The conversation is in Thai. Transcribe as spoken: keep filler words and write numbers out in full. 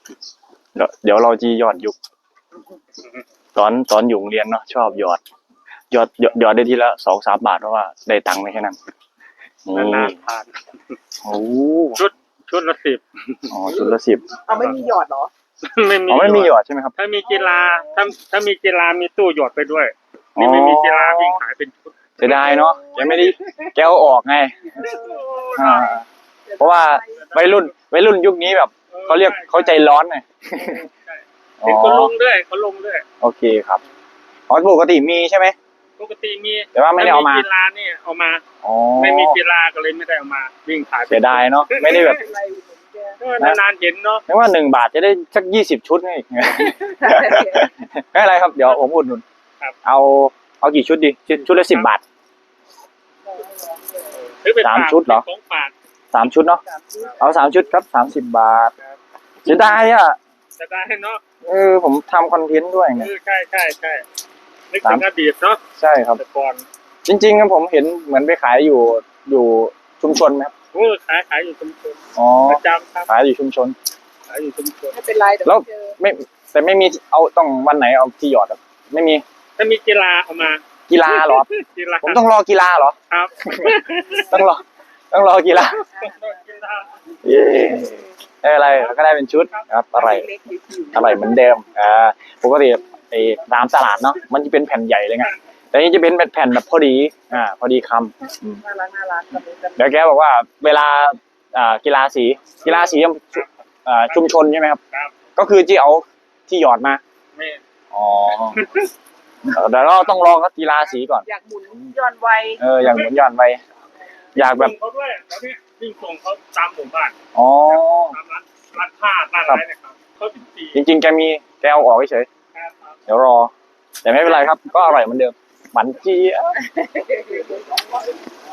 เดี๋ยวเดี๋ยวเราจะหยอดยุกตอนตอนอยู่โรงเรียนเนาะชอบหยอดหยอดหยอดหยอดได้ทีละสองสามบาทเพราะว่าได้ตังค์ไม่แค่นั้นนี่นานๆผ่านโอ้ชุดชุดละสิบอ๋อชุดละสิบเอาไม่มีหยอดเหรอไม่มีอ๋อไม่มีหยอดใช่ไหมครับถ้ามีกีฬาถ้าถ้ามีกีฬามีตู้หยอดไปด้วยนี่ไม่มีกีฬาวิ่งขายเป็นชุดเสียดายเนาะแกไม่ได้แกเอาออกไงอ่าเพราะว่าวัยรุ่นวัยรุ่นยุคนี้แบบเขาเรียกเขาใจร้อนไงเป็นคนลงด้วยเขาลงด้วยโอเคครับอ๋อปกติมีใช่ไหมปกติมีแต่ว่าไม่ได้เอามากีฬานี่เอามาอ๋อไม่มีกีฬาก็เลยไม่ได้เอามาวิ่งขายเสียดายเนาะไม่ได้แบบอะไรอยู่แกเออนานๆเห็นเนาะไม่ว่าหนึ่งบาทจะได้สักยี่สิบชุดไง ไม่เป็นไรครับเดี๋ยวผมอุดหนุนเอาเอากี่ชุดดีชุดชุดละสิบบาทซื้อไปสามฝกชุดเหรอของฝากสามชุดเนาะเอาสามชุดครับสามสิบบาทเสียดายอ่ะจะได้เนาะเออผมทำคอนเทนต์ด้วยไงเออใช่ใช่ใช่นึกถึงอดีตเนาะใช่ครับแต่ก่อนจริงๆครับผมเห็นเหมือนไปขายอยู่อยู่ชุมชนไหมครับโอ้ขายขายอยู่ชุมชนอ๋อประจำครับขายอยู่ชุมชนขายอยู่ชุมชนไม่เป็นไรเดี๋ยวแล้วเจอไม่แต่ไม่มีเอาต้องวันไหนเอาที่หยอดอะไม่มีถ้ามีกีฬาเอามากีฬาเหรอกีฬาผมต้องรอกีฬาเหรอครับต้องรอต้องรอกีฬากีฬาเย้ได้อะไรก็ได้เป็นชุดครับอะไรเล็กๆผิวอะไรเหมือนเดิมอ่าปกติไอ้ตามตลาดเนาะมันจะเป็นแผ่นใหญ่เลยไงแต่นี่จะเป็นแผ่นแบบพอดีอ่าพอดีคำอืมน่ารักน่ารักกับมือกันเดี๋ยวแกบอกว่าเวลาอ่ากีฬาสีกีฬาสีอ่าชุมชนใช่ไหมครับครับก็คือที่เอาที่หยอดมาไม่อ๋อเดี๋ยวเราต้องลองกีฬาสีก่อนอยากหมุนย้อนไวเอออย่างเหมือนหย่อนไปอยากแบบวิ่งเขาด้วยแล้วเนี่ยวิ่งส่งเขาตามหมู่บ้านอ๋อตามร้านร้านผ้าร้านอะไรเนะครับเขาสิบสี่จริงๆแกมีแกเอาออกเฉยครับเดี๋ยวรอ แต่ไม่เป็นไรครับ ก็อร่อยเหมือนเดิมหวานเจี๊ยบ